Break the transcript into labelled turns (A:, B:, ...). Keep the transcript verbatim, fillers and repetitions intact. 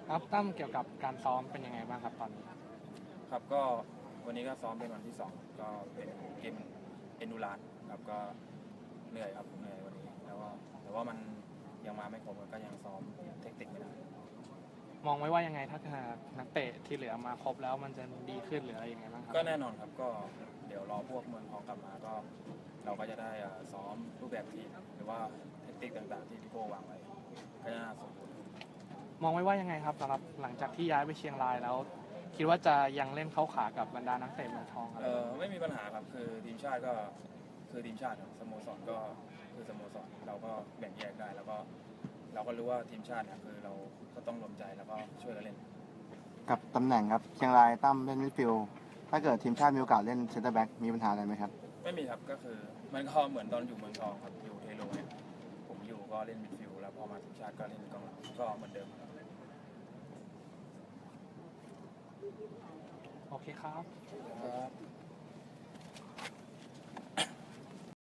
A: ครับตั้มเกี่ยวกับการซ้อมเป็นยังไงบ้างครับตอนนี้
B: ครับก็วันนี้ก็ซ้อมเป็นวันที่สองก็เป็นเกมเอนดูรานครับก็เหนื่อยครับเหนื่อยวันนี้แล้วก็แต่ว่ามันยังมาไม่ครบก็ยังซ้อมเทคนิคไม่ได้
A: มองไว้ว่ายังไงถ้านักเตะที่เหลือมาครบแล้วมันจะดีขึ้นหรืออะไรยังไงบ้างครับ
B: ก็แน่นอนครับก็เดี๋ยวรอพวกเมืองทองกลับมาก็เราก็จะได้ซ้อมรูปแบบทีมหรือว่าเทคนิคต่างๆที่พี่โก้วางไว้ก็น่าสมบูรณ์
A: มองไว้ว่ายังไงครับสำหรับหลังจากที่ย้ายไปเชียงรายแล้วคิดว่าจะยังเล่นเข้าขากับบรรดานักเตะเมืองทองอะไร
B: เออไม่มีปัญหาครับคือทีมชาติก็คือทีมชาติครับสโมสรก็คือสโมสรเราก็แบ่งแยกได้แล้วก็เราก็รู้ว่าทีมชาติเนี่ยคือเราก็ต้องรวมใจแล้วก็ช่วยกันเล่น
C: กับตำแหน่งครับเชียงรายตั้มเล่นมิดฟิลด์ถ้าเกิดทีมชาติมีโอกาสเล่นเซนเตอร์แบ็กมีปัญหาอะไรไหมครับ
B: ไม่มีครับก็คือมันก็เหมือนตอนอยู่เมืองทองครับอยู่เทโลเนี่ยผมอยู่ก็เล่นมิดฟิลด์แล้วพอมาทีมชาติก็เล่นกองหลังก็เหมือนเดิม
A: โอเคครับ
B: ครับ